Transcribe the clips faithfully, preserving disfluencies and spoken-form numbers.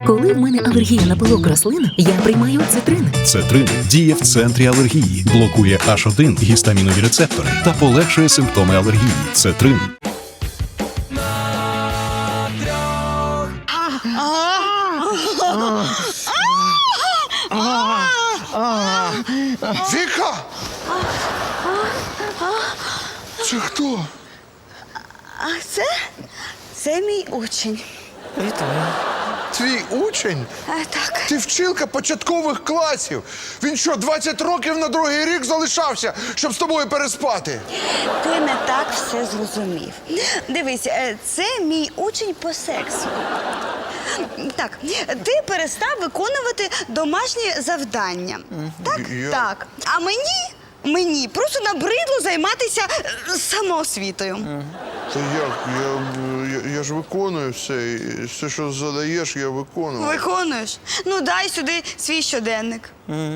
Коли в мене алергія на пилок рослин, я приймаю цитрин. Цетрин діє в центрі алергії, блокує аш один гістамінові рецептори та полегшує симптоми алергії. Цетрин. Віка! Це хто? А це? Це мій учень. Вітаю. Твій учень? А, так. Ти вчилка початкових класів. Він що, двадцять років на другий рік залишався, щоб з тобою переспати? Ти не так все зрозумів. Дивись, е, це мій учень по сексу. Так, ти перестав виконувати домашні завдання. Так? Я- Так. А мені, мені просто набридло займатися е, самоосвітою. Та як? Я, я, я ж виконую все. і Все, що задаєш, я виконую. Виконуєш? Ну, дай сюди свій щоденник.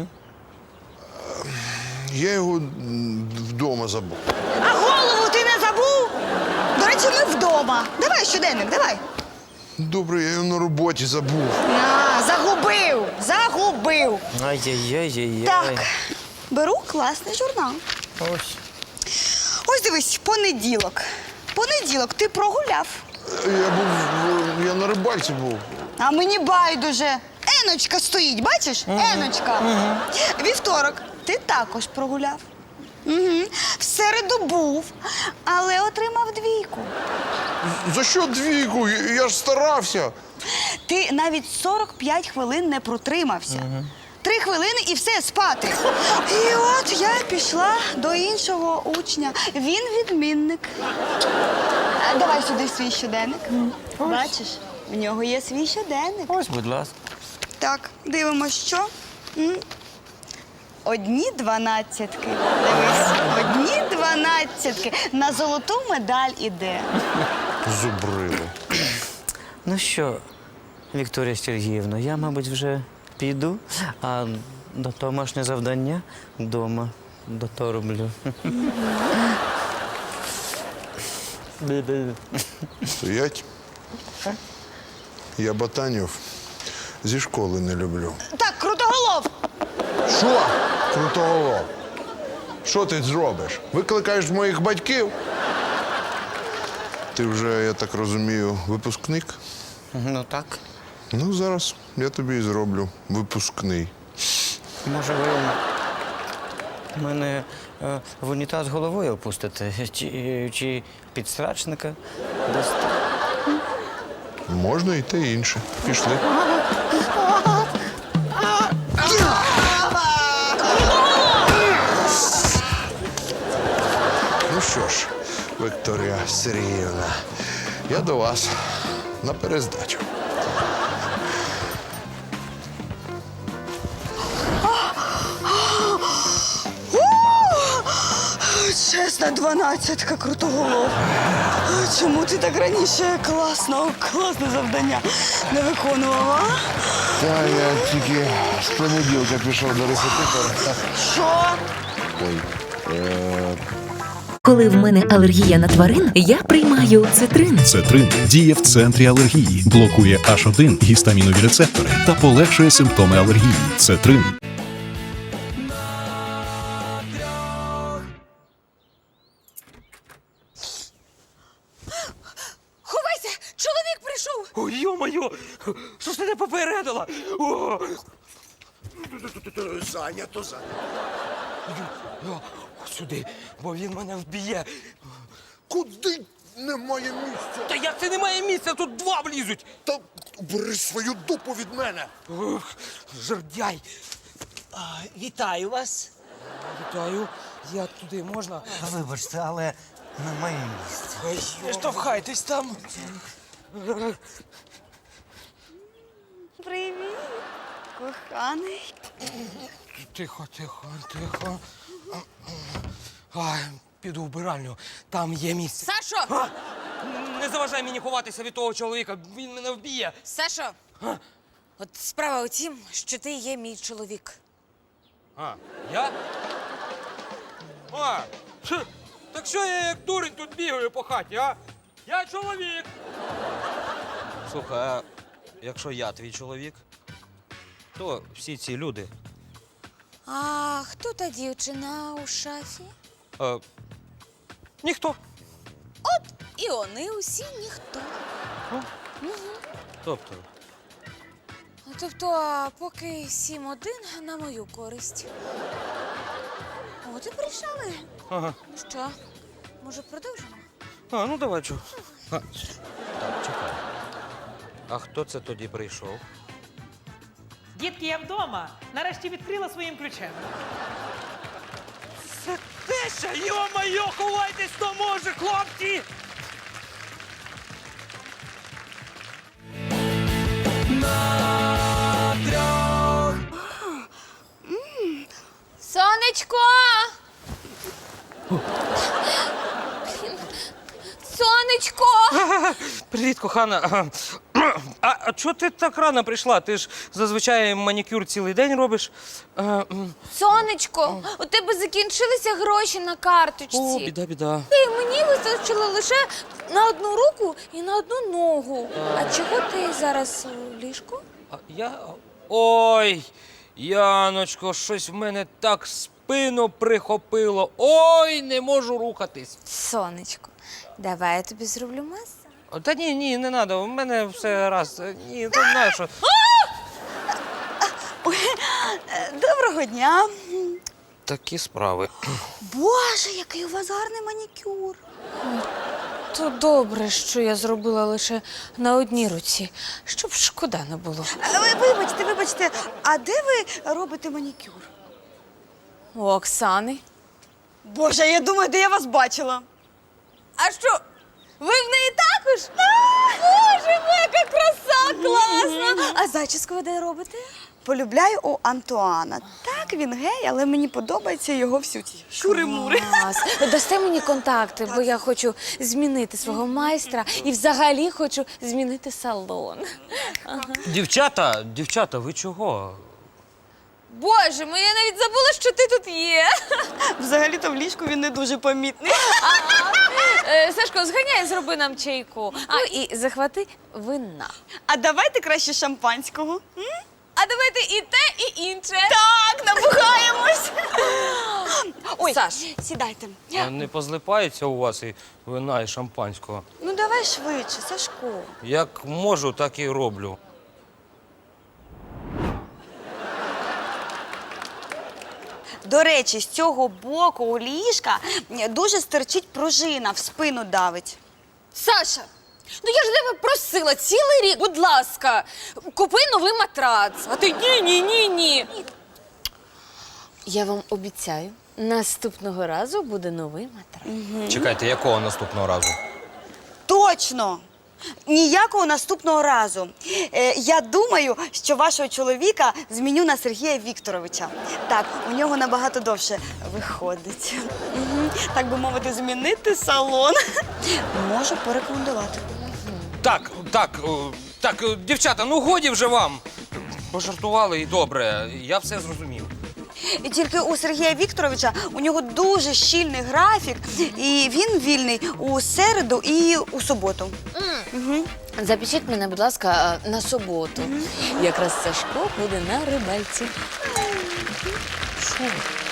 Я його м, вдома забув. А голову ти не забув? До речі, ми вдома. Давай щоденник, давай. Добре, я його на роботі забув. А, загубив, загубив. Ай-яй-яй-яй. Так, беру класний журнал. Ось. Ось дивись, понеділок. Понеділок ти прогуляв. Я був, в- я на рибальці був. А мені байдуже. Еночка стоїть, бачиш? Еночка. Вівторок ти також прогуляв. Угу. В середу був, але отримав двійку. За що двійку? Я я ж старався. Ти навіть сорок п'ять хвилин не протримався. Три хвилини і все, спати. І от я пішла до іншого учня. Він відмінник. А, давай сюди свій щоденник. Бачиш, в нього є свій щоденник. Ось, будь ласка. Так, дивимось, що. М? Одні дванадцятки. Дивись, одні дванадцятки. На золоту медаль іде. Зубрили. Ну що, Вікторія Сергіївна, я, мабуть, вже піду, а до домашнє завдання вдома дотороблю. Стоять. Я ботанів зі школи не люблю. Так, крутоголов! Що? Крутоголов. Що ти зробиш? Викликаєш моїх батьків? Ти вже, я так розумію, випускник? Ну так. Ну, зараз я тобі і зроблю випускний. Може, ви мене е, в унітаз головою опустите? Чи, чи підсрачника дасте? Можна і те інше. Пішли. Ну що ж, Вікторія Сергіївна, я до вас на перездачу. Чесна дванадцятка, крутоголов. Чому ти так раніше класно, класне завдання не виконував, а? Та я тільки з понеділка пішов до репетитора. Що? Ой. Е, Коли в мене алергія на тварин, я приймаю цитрин. Цетрин діє в центрі алергії, блокує аш один гістамінові рецептори та полегшує симптоми алергії. Цетрин. Ховайся! Чоловік прийшов! Ой, йо-моє! Що ж ти не попередила? О! Зайнято, зайнято. О, сюди, бо він мене вб'є. Куди немає місця? Та як це немає місця? Тут два влізуть. Та бери свою дупу від мене. Ох, жердяй. Вітаю вас. Вітаю. Я туди можна? Вибачте, але немає місця. Ой, не штовхайтесь там. Привіт, коханий. Тихо, тихо, тихо. Ай, піду в вбиральню. Там є місце. Сашо! А! Не заважай мені ховатися від того чоловіка. Він мене вб'є. Сашо! От справа у тім, що ти є мій чоловік. А, я? А, хе, так що я як дурень тут бігаю по хаті, а? Я чоловік. Слухай, а якщо я твій чоловік, то всі ці люди. А хто та дівчина у шафі? Е, ніхто. І вони усі ніхто. Тобто, Тобто, а поки сім один на мою користь. От і прийшли. ага. Ну що, може продовжимо? А, ну давай, чу. А, так, чекай. А хто це тоді прийшов? Дітки, я вдома. Нарешті відкрила своїм ключем. Це Теся, йо-моє, ховайтесь, хто може, хлопці! Сонечко! Сонечко! Привіт, кохана. А, а чого ти так рано прийшла? Ти ж зазвичай манікюр цілий день робиш. А, м. Сонечко, у тебе закінчилися гроші на карточці. О, біда, біда. І мені вистачило лише на одну руку і на одну ногу. А чого ти зараз у ліжку? А я. Ой, Яночко, щось в мене так спину прихопило. Ой, не можу рухатись. Сонечко, давай я тобі зроблю масаж. О, Та ні, ні, не треба, у мене все раз. Ні, ти знаєш, що. Доброго дня. Такі справи. Боже, який у вас гарний манікюр. То добре, що я зробила лише на одній руці, щоб шкода не було. Е, ви- Вибачте, вибачте, а де ви робите манікюр? У Оксани. Боже, я думаю, де я вас бачила. А що? Ви в неї також? Боже, ви яка краса, класна! А зачіску ви де робите? Полюбляю у Антуана. Так, він гей, але мені подобається його всю ці шури-мури. Клас. Дасте мені контакти, бо я хочу змінити свого майстра і взагалі хочу змінити салон. Дівчата, дівчата, ви чого? Боже, ну я навіть забула, що ти тут є. Взагалі-то в ліжку він не дуже помітний. Е, Сашко, зганяй, зроби нам чайку. А, і захвати вина. А давайте краще шампанського. М? А давайте і те, і інше. Так, набухаємось. Ой, Саш. сідайте. А не позлипається у вас і вина, і шампанського? Ну давай швидше, Сашко. Як можу, так і роблю. До речі, з цього боку у ліжка дуже стирчить пружина, в спину давить. Саша, ну я ж тебе просила цілий рік, будь ласка, купи новий матрац. А ти ні, ні, ні, ні. Я вам обіцяю, наступного разу буде новий матрац. Чекайте, якого наступного разу? Точно! Ніякого наступного разу. Е, я думаю, що вашого чоловіка зміню на Сергія Вікторовича. Так, у нього набагато довше виходить. Угу. Так би мовити, змінити салон. Можу порекомендувати. Так, так, о, так, о, дівчата, ну годі вже вам. Пожартували і добре, я все зрозумів. І тільки у Сергія Вікторовича у нього дуже щільний графік, і він вільний у середу і у суботу. Угу. Запишіть мене, будь ласка, на суботу. Якраз Сашко буде на рибальці. Що?